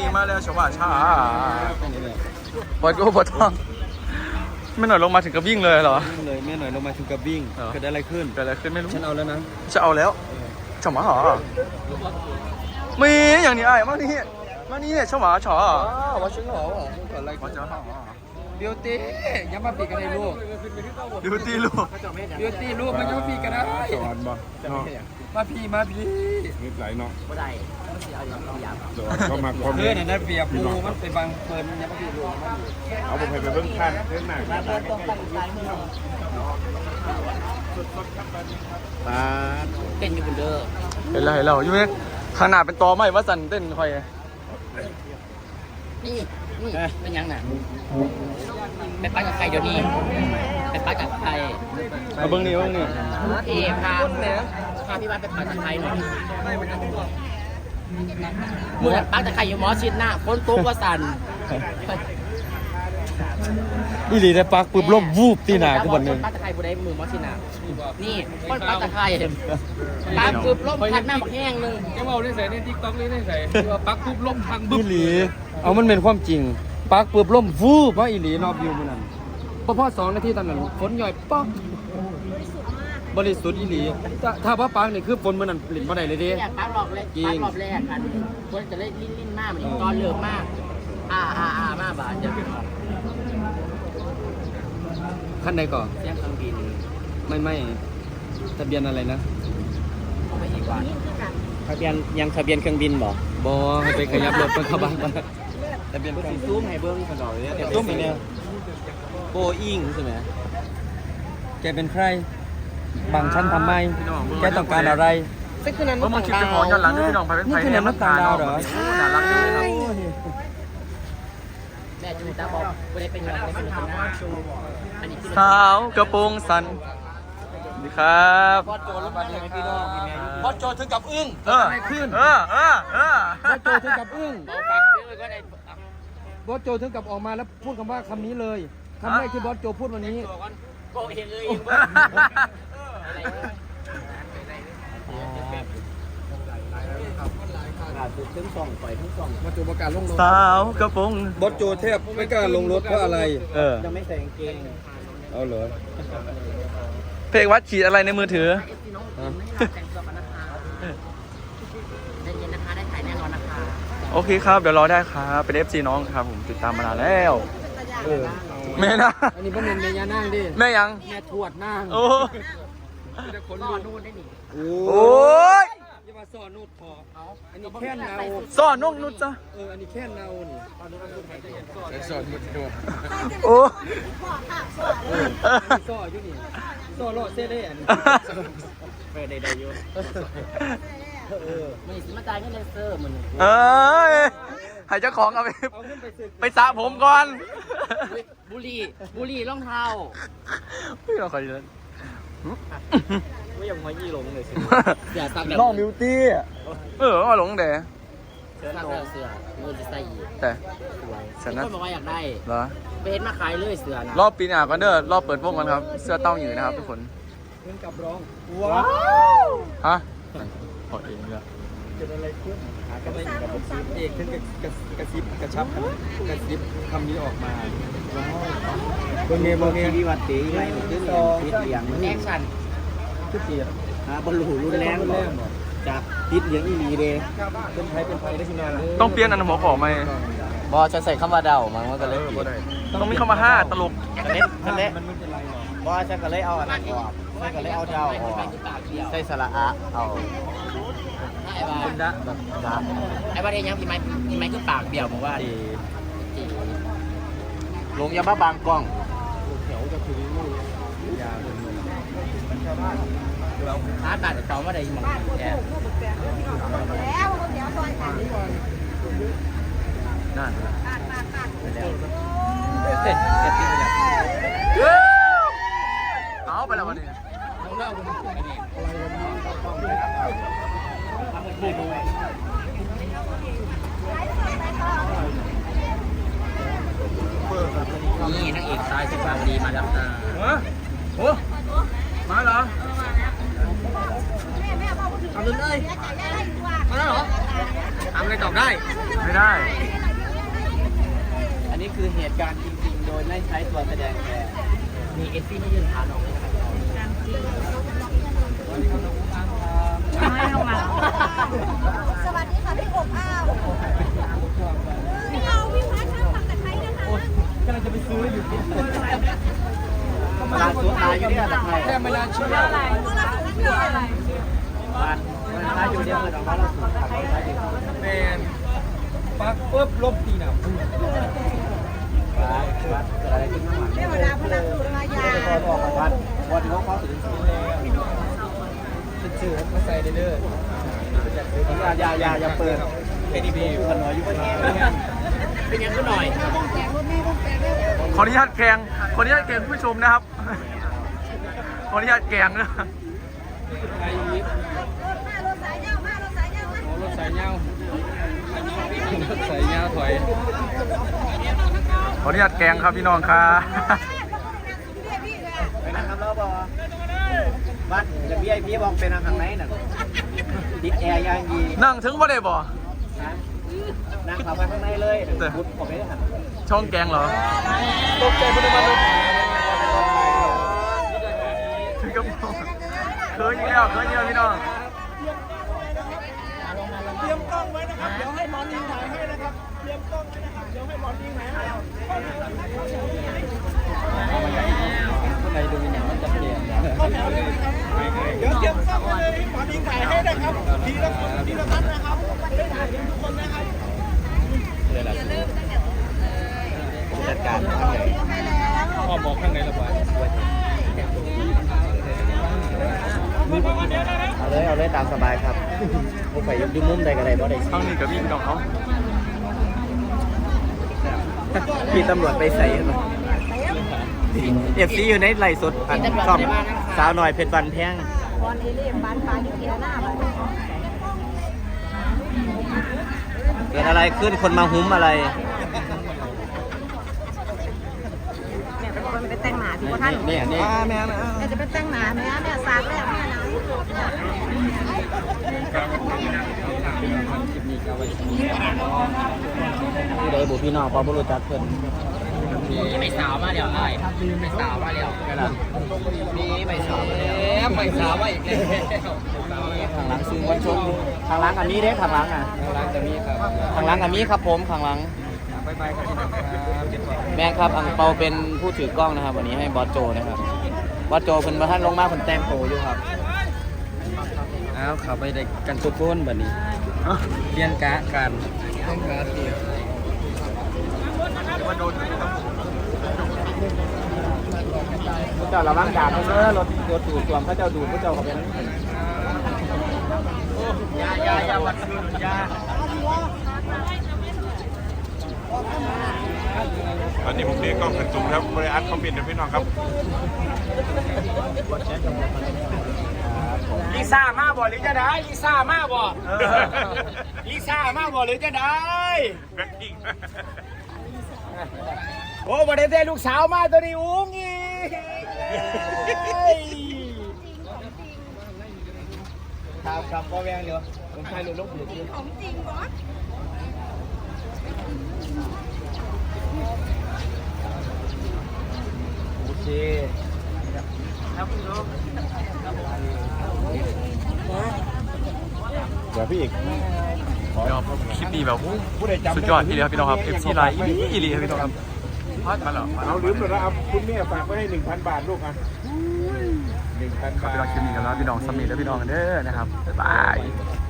มาแล้วชาวบ้านช้าบอลโก้บอลทองไม่หน่อยลงมาถึงกับวิ่งเลยเหรอเลยแม่หน่อยลงมาถึงกับวิ่งเกิดอะไรขึ้นไม่รู้ฉันเอาแล้วนะจะเอาแล้วฉมาหรอมีอย่างนี้ไอ้มานี่ฉมาฉอว่าฉันหรอเกิดอะไรขึ้นบิวตี้ยังมาปีกันในลูกบิวตี้ลูกมันยังมาปีกันนะสอนบ่มาพี่นิดไหลเนาะบ่ได้มันสิเอาอย่างเราอยากก็มาคอมเมนต์นั่นเปียบปูมันเป็นบางเพิ่นยังมาปีลูกเอาผมไปเบิ่งขั้นเส้นหนักเต้นอยู่บนเด้อเห็นแล้วอยู่เนี่ยข้างหน้าเป็นตอไม้ว่าสันเต้นคอยนี่เป็นยังน่ะไปปักกับใครเดี๋ยวนี้ไปปักกับใครมาเบิ้งนี่พาพี่บ้านไปปักกับใครหน่อยมือปักกับใครอยู่หมอชิดหน้าคนโต๊ะว่าสั่นอีหลีได้ปักปุ๊บล้มวูบตีหนากูบนนึงปักกับใครบุได้มือหมอชิดหน้านี่คนปักกับใครปักปุ๊บล้มพัดหน้าบักแห้งนึงแกว่าได้ใส่ในทิกต็อกเลยได้ใส่ปักปุ๊บล้มพังบึ้มอีหลีเอามันเป็นความจริงปักปุ๊บล้มวูบเพราะอีหลีนอบวิวมันนั่นพอ2 นาทีตอนนั้นฝนหย่อยป๊อกบริสุทธิ์อีหลีถ้าว่าปังนี่คือฝนมันนั่นหลินมาไหนเลยดิปักรอบแรกกันคนจะเล่นลิ้นมากเหมือนตอนเลิกมากมากบาทจะขั้นใดก่อนเสียงเครื่องบินไม่ทะเบียนอะไรนะไม่อีกว่าทะเบียนยังทะเบียนเครื่องบินบอให้ไปขยับรถมันเข้าบ้านทะเบียนเครื่องซูมให้เบิ้งกันหน่อยเนี่ยซูมอีกเนี่ยโบอิงใช่ไหมแกเป็นใครบางชั้นทำไมแกต้องการอะไรซึ่งคือนั้นมันคิดจะขอย้อนหลังด้วยพี่น้องไปเป็นไผ่เนี่ยมันตาดาวเหรอน่ารักเลยครับแม่จูตาบอกไม่ได้เป็นเงินไม่เป็นหน้าสาวกระโปรงสันดีครับบอสโจลงมาเดี๋ยวพี่น้องบอสโจถึงกับอึ้งขึ้นบอสโจถึงกับอึ้งบอสโจถึงกับออกมาแล้วพูดคำว่าคำนี้เลยคำแรกที่บอสโจพูดวันนี้โกเองเลยทั้งสองปล่อยทั้งสองบอสโจประกาศลงรถสาวกระโปรงบอสโจแทบไม่กล้าลงรถเพราะอะไรจะไม่ใส่กางเกงเอาเหรอเพลงวัดฉีดอะไรในมือถือโอเคครับเดี๋ยวรอได้ครับเป็น FC น้องครับผมติดตามมานานแล้วแม่นะอันนี้พ่อเมย์แม่ย่านั่งดิแม่ยังแม่ทวดนั่งโอ้ซ่อนนู่นได้หนิโอ้ยอย่ามาซ่อนนู่นพออันนี้แค่เนาซ่อนนู่นจ้ะอันนี้แค่เนานี่ซ่อนนู่นโอ้ซ่อนอยู่นี่ซ่อนโลดเซ่ได้อันนี้ได้อยู่ไม่สิมาจ่ายเงินเลเซอร์มันให้เจ้าของเอาไปสระผมก่อนบุรีรองเท้าไม่เราคอยเล่นไม่ยังไม่ยี่หลงเลยสิน้องบิวตี้มาหลงเด๋เสื้อมือจะใส่แต่ฉันนะบอกว่าอยากได้เหรอไปเห็นมาขายเลยเสื้อนะรอบปีหน้ากันเด้อรอบเปิดวงกันครับเสื้อเต้าอยู่นะครับทุกคนเงินกับร้องว้าวฮะขอเองเลยเกิดอะไรขึ้นก็ไม่กับผมซีเอกขึ้นกระซิบกระชับกระซิบคำนี้ออกมาโบเมีทีวีวัดตีไรคือติดเหลียงแอคชั่นคือเสียบอลลูรุนแรงจากติดเหลียงอีลีเดเป็นไทยได้ที่นานต้องเปลี่ยนอันหัวขอไหมบอฉันใส่คำว่าเดามันก็เลยต้องมีคำว่า5ตลกมันไม่เป็นไรหรอกบอฉันก็เลยเอาอันนั้นออกฉันก็เลยเอาเดาออกใส่สระอะเอาไอ้บ้าไอ้บ้าเทียงพี่ไม้คือปากเบี้ยวบอกว่าลงยาบ้าบางกล้องแถวจะคือลูกยาท้าตัดจอมว่าได้หมดแก่แล้วนั่นเอาไปแล้ววันนี้นี่นักเอกชายสุภาพดีมาแล้วนะโอ้มาเหรอทำเลยมาแล้วเหรอทำอะไรตอบได้ได้อันนี้คือเหตุการณ์จริงๆ โดยไม่ใช้ตัวแสดงแต่มีเอฟซี่ที่ยืนทานออกเลยนะครับสวัสดีค่ะพี่อบอ้าวพี่เอาพี่พัชช่างปักตะไคร้นะคะกำลังจะไปซื้ออยู่ที่ตลาดสวนตายอยู่เนี่ยตะไคร้แค่ไม่น่าเชื่อเพราะเราถึงนั้นคืออะไรบ้านตายอยู่เดียวเลยของเราสูงขับรถไปอยู่แมนปักปุ๊บลบตีหนับวัดเกิดอะไรขึ้นข้างหลังเทวดาพลังสุรายาพอออกมาวัดวันเขาเข้าถึงสูงแล้วเป็นชื่อมาใส่เด้ออย่าเปิดเป็นอีบีกันหน่อยอยู่เป็นยังเป็นยังก็หน่อยขออนุญาตแกงผู้ชมนะครับ ขออนุญาตแกงนะไอ้ยิปมารถสายเงามารถสายเงามารถสายเงารถสายเงาถอยขออนุญาตแกงครับพี่น้องครับไปนั่งครับเราบอกวัดจะพี่ไอพี่บอกเป็นทางไหนน่ะติดแอร์ยังดีนั่งถึงบ่ได้บ่นั่งเข้าไปข้างในเลยบุดผมไม่ได้หันช่องแกงเหรอตกใจพุทธมันเลยถึงกับเคยอีกแล้วพี่น้องเตรียมกล้องไว้นะครับเดี๋ยวให้หมอลิงถ่ายให้นะครับเตรียมกล้องไว้นะครับเดี๋ยวให้หมอลิงถ่ายให้ข้างในดูอย่างมันจะเปลี่ยนเดี๋ยวเตรียมกล้องไว้เลยหมอลิงถ่ายให้นะครับทีละท่านนะครับได้ถ่ายทุกคนนะครับจัดการข้างในพ่อบอกข้างในระบายเอาเลยตามสบายครับผมไปยุบมุมใดก็ได้บ่ได้ข้างนี้กับพี่น้องเขาพี่ตำรวจไปใส่เอฟซีอยู่ในไหลสดอันซ่อมสาวหน่อยเพชรวันแพงบอลเอเลี่ยมบ้านฟ้าอยู่ที่หน้าบ้านเกิดอะไรขึ้นคนมาหุ้มอะไรแม่เป็นคนไปแต่งหมาที่พ่อท่านเนี่ยนี่แม่จะไปแต่งหมาแม่สากแล้วแม่นะผู้ใดบุพี่น้องพอบ่รู้จักเพิ่นมีไปสาวมาแล้วไอ้ไปสาวมาแล้วมีไปสาวมาแล้วไปสาวมาอีกแล้วข้างหลังซื้อวันชมข้างหลังอันนี้เด้ข้างหลังอ่ะร้านจะมีครับข้างหลังอันนี้ครับผมข้างหลังบายบายครับพี่น้องครับแม่ครับอังเปาเป็นผู้ถือกล้องนะครับ วันนี้ให้บอสโจนะครับบอสโจเพิ่นมาท่านลงมาเพิ่นแต่งโตอยู่ครับอ้าวขับไปได้กันทุกคนแบบนี้เรียนกะกันเรียนกะเดียวผู้เจ้าระวังดาบเด้อรถดูดส่วมพระเจ้าดูดผู้เจ้าเขาเป็นยาวัดยาตอนนี้ผมเรียกกล้องกันจุ่มครับบริอัดคอมเมนต์นะพี่น้องครับลิซ่ามาบ่หรือจะได้ลิซ่ามาบ่ลิซ่ามาบ่หรือจะได้แบ็คกิ้งโอ้บ่ได้แต่ลูกสาวมาตัวนี้อุ้งอีครับพ่อแวงเดี๋ยวผมใช้ลูกหลุดของจริงบอสโอเคครับคุณลูกเดี๋ยวพี่อีกเดี๋ยวคลิปนี้แบบสุดยอดทีเดียวพี่น้องครับ FC ไลน์อีหลีครับพี่น้องครับมาแล้วเอาลืมไปแล้วเอาคุณแม่ฝากไว้ให้ 1,000 บาทลูกอ่ะ 1,000 ครับบาพี่น้องทคลิปนี้กันแล้วพี่น้องสมีและพี่น้องกันเด้อนะครับบ๊ายบาย